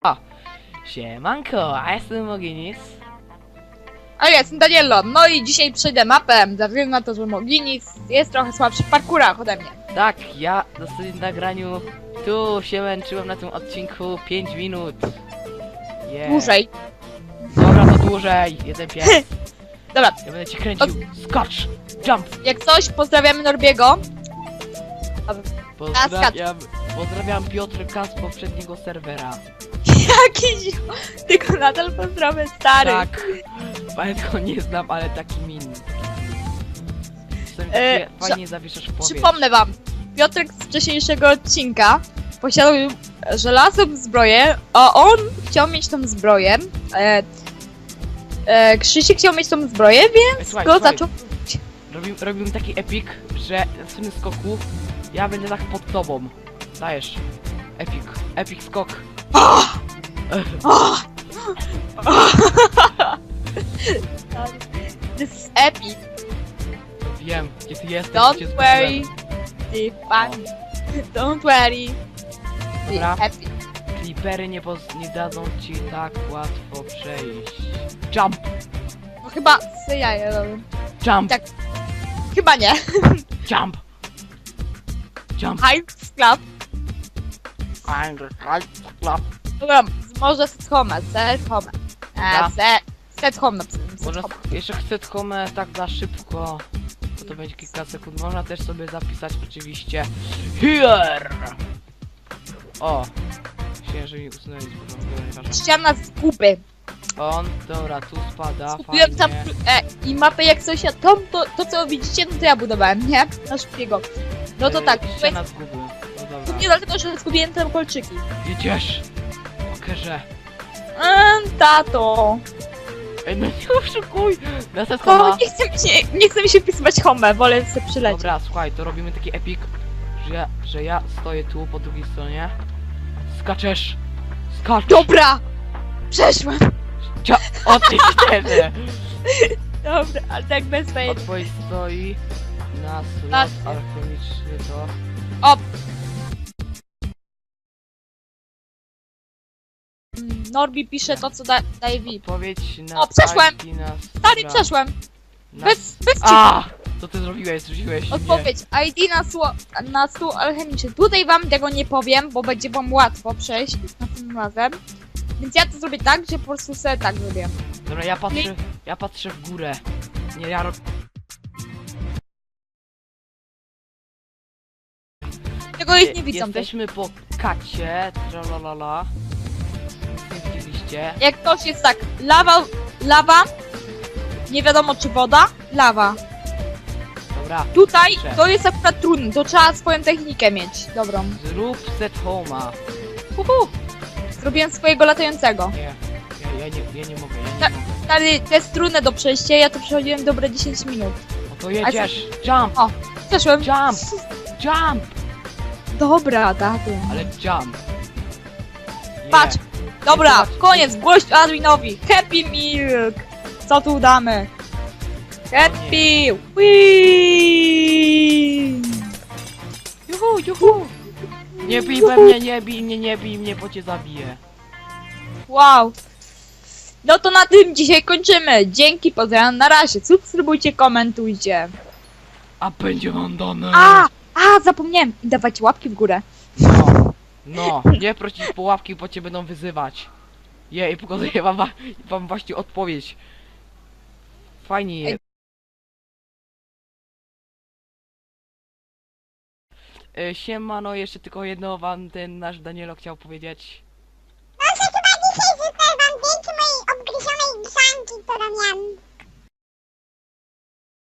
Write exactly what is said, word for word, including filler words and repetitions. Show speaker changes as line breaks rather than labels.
O, siemanko, a jestem Moginis.
A ja jestem Daniello, no i dzisiaj przejdę mapę, ze względu na to, że Moginis jest trochę słabszy w parkurach ode mnie.
Tak, ja w ostatnim nagraniu tu się męczyłem na tym odcinku pięć minut. Yeah.
Dłużej.
Dobra, to dłużej, jeden pies.
Dobra,
Ja będę cię kręcił. Skocz, jump.
jak coś, pozdrawiamy Norbiego.
Pozdrawiam, pozdrawiam Piotrka z poprzedniego serwera.
Jakiś... Tylko nadal pozdrawiam stary.
Tak, nawet go nie znam, ale taki min. Czasem
E,
takie fajnie zawieszasz w powietrzu.
Przypomnę wam, Piotrek z wcześniejszego odcinka posiadał żelazną zbroję, a on chciał mieć tą zbroję. E, e, Krzysiek chciał mieć tą zbroję, więc
Ej, słuchaj,
go
słuchaj.
zaczął...
Robimy, robimy taki epic, że na tym skoku ja będę tak pod tobą. Dajesz. Epic. Epic skok.
Oh! Oh! This is epic.
Wiem, gdzie ty jesteś.
Don't
gdzie
worry,
zgubiłem.
the fun. Don't worry, the
Dobra.
happy.
Creepery nie, poz- nie dadzą ci tak łatwo przejść. Jump!
No chyba se jaja robię.
Jump!
Tak. Chyba nie.
Jump! Jump!
High clap.
Clap.
Dobra, może set home, set home.
Dobra.
E, set, set home napisałem, set
Może
home.
jeszcze chcę home tak za szybko, bo to będzie kilka sekund. Można też sobie zapisać oczywiście here. O! Myślałem, że mi usunęli z początku, ale nieważne.
Ściana z kupy.
On, dobra, tu spada,
Kupiłem tam
fajnie.
e, i mapę jak coś, a to, to, to co widzicie, no to ja budowałem, nie? Na szybkiego. No to
Yy,
tak,
ściana zguby. No
to
dobra.
nie dlatego, że zgubiłem tam kolczyki.
Jedziesz! Pokerze.
Eee, tato.
Ej, no nie oszukuj! Następna
To
ma...
nie chce mi się, nie chce mi się wpisywać home, wolę sobie przylecieć.
Dobra, słuchaj, to robimy taki epic, że ja, że ja stoję tu po drugiej stronie. Skaczesz! Skacz!
Dobra! Przeszłem!
Cia... O ty ścieżę!
Dobra, ale tak bez
Od
fajnie.
twojej stoi na slot
Patrzcie.
alchemiczny to...
O! Norbi pisze to, co da, daje V I P.
Odpowiedź na...
O, przeszłem!
I na...
Stary,
na-
przeszłem!
na-
Bez, bez ci...
A! Co ty zrobiłeś? Zrzuciłeś mnie.
Odpowiedź. I D na, sło, na stół alchemiczny. Tutaj wam tego nie powiem, bo będzie wam łatwo przejść następnym razem. Więc ja to zrobię tak, że po prostu sobie tak zrobię.
Dobra, ja patrzę... Ja patrzę w górę. Nie, ja robię...
Tego ich nie widzą też.
Jesteśmy po kacie, tralalala. Nie widzieliście.
Jak ktoś jest tak, lawa, lawa, nie wiadomo czy woda, lawa.
Dobra,
Tutaj
Dobrze.
to jest akurat trudne, to trzeba swoją technikę mieć, dobrą.
zrób set home'a.
Uhu. Zrobiłem swojego latającego.
Nie, ja, ja nie, ja nie mogę, ja nie
Tak.
mogę.
Stary, to jest trudne do przejścia, ja to przechodziłem dobre dziesięć minut.
No to jedziesz, jump,
O, przeszłem.
jump, jump,
Dobra, tato.
ale jump. Nie.
Patrz. Dobra,
Zobacz.
koniec, głoś Adwinowi. Happy Milk. Co tu damy? Happy. Whee!
Juhu, juhu. Nie bij we mnie, nie bij mnie, nie bij mnie, bo cię zabiję.
Wow. No to na tym dzisiaj kończymy. Dzięki, pozdrawiam, na razie. Subskrybujcie, komentujcie.
A będzie wam dane.
A, a, zapomniałem. I dawajcie łapki w górę.
No, no, nie prosić po łapki, bo cię będą wyzywać. Je, i pokazuję wam, wa- wam właśnie odpowiedź. Fajnie jest. E, Siemano, jeszcze tylko jedno wam ten nasz Danielo chciał powiedzieć.